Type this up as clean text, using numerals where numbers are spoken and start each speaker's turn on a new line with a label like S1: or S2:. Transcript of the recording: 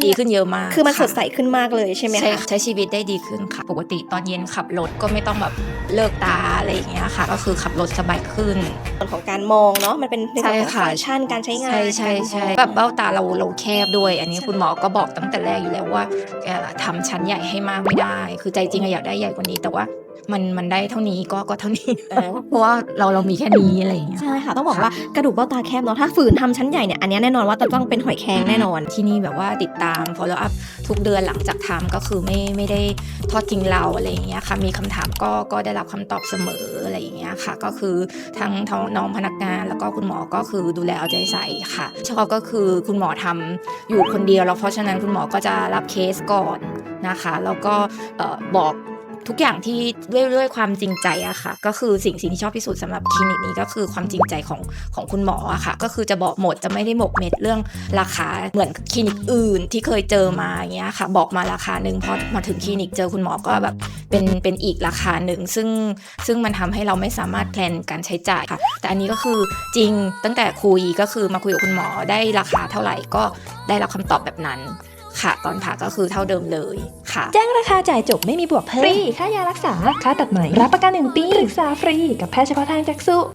S1: ดีขึ้นเยอะมาก
S2: คือมันสดใสขึ้นมากเลยใช่ไหมคะ
S1: ใช้ชีวิตได้ดีขึ้นค่ะปกติตอนเย็นขับรถก็ไม่ต้องแบบเลิกตาอะไรอย่างเงี้ยค่ะก็คือขับรถสบายขึ้น
S2: ส่วนของการมองเนาะมันเป็นในส่วนของฟังก์ชันการใช้งาน
S1: ใช่แบบเบ้าตาเราแคบด้วยอันนี้คุณหมอก็บอกตั้งแต่แรกอยู่แล้วว่าทำชั้นใหญ่ให้มากไม่ได้คือใจจริงอยากได้ใหญ่กว่านี้แต่ว่ามันได้เท่านี้ก็เท่านี้เพราะว่าเรามีแค่นี้อะไรอย่างเงี้ย
S2: ใช่ค่ะต้องบอกว่ากระดูกเบ้าตาแคบเนาะถ้าฝืนทำชั้นใหญ่เนี่ยอันนี้แน่นอนว่าจะต้องเป็นหอยแครงแน่นอน
S1: ที่นี่แบบว่าติดตาม follow up ทุกเดือนหลังจากทำก็คือไม่ได้ทอดทิ้งเราอะไรอย่างเงี้ยค่ะมีคำถามก็ได้รับคำตอบเสมออะไรอย่างเงี้ยค่ะก็คือทั้งน้องพนักงานแล้วก็คุณหมอก็คือดูแลเอาใจใส่ค่ะชอบก็คือคุณหมอทำอยู่คนเดียวแล้วเพราะฉะนั้นคุณหมอก็จะรับเคสก่อนนะคะแล้วก็บอกทุกอย่างที่ด้วยความจริงใจอะค่ะก็คือสิ่งที่ชอบที่สุดสำหรับคลินิกนี้ก็คือความจริงใจของคุณหมออะค่ะก็คือจะบอกหมดจะไม่ได้หมกเม็ดเรื่องราคาเหมือนคลินิกอื่นที่เคยเจอมาอย่างเงี้ยค่ะบอกมาราคานึงพอมาถึงคลินิกเจอคุณหมอก็แบบเป็นอีกราคาหนึ่งซึ่งมันทำให้เราไม่สามารถแพลนการใช้จ่ายค่ะแต่อันนี้ก็คือจริงตั้งแต่คุยก็คือมาคุยกับคุณหมอได้ราคาเท่าไหร่ก็ได้รับคำตอบแบบนั้นค่ะตอนผ่าก็คือเท่าเดิมเลยค่ะ
S3: แจ้งราคาจ่ายจบไม่มีบวกเพิ่มฟรีค่ายารักษาค่าตัดไหมรับประกัน1 ปีปรึกษาฟรีกับแพทย์เฉพาะทางจักษุ